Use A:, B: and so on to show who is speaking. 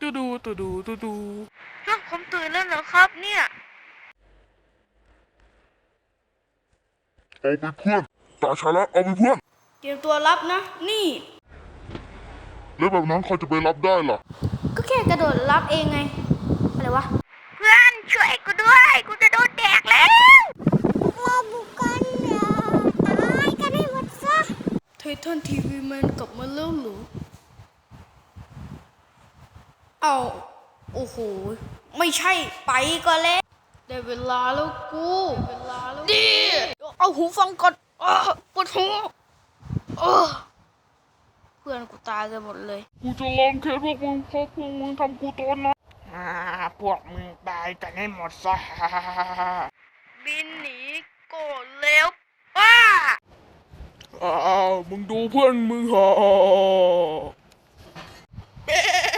A: ตูดูตูดูตูดู
B: ฮะผมตื่นแล้วเหรอครับเนี่ย
C: เอาไปเพื่อนตาชาละเอาไปเพื่อน
D: เตรียมตัวรับนะนี่
C: แล้วแบบนั้นใครจะไปรับได้ล่ะ
D: ก็แค่กระโดดรับเองไงอะไรวะ
B: เพื่อนช่วยกูด้วยกูจะโดนแดกแล้วมาบุกกันอย่าตายกันให้หมดซะ
D: ไททันทีวีแมนกลับมาแล้วเหรอเอาโอ้โหไม่ใช่ไปก็แล้วได้เวลาแล้วกูดิเอาหูฟังก่อนปวดหูเพื่อนกูตายกันหมดเลย
A: กูจะลองเคสพวกมึงเพราะพวกมึงทำกูตอนนะพวกมึงตายกันให้หมดซะ
B: บินหนีโกรธแล้วป้า
A: มึงดูเพื่อนมึงเหรอ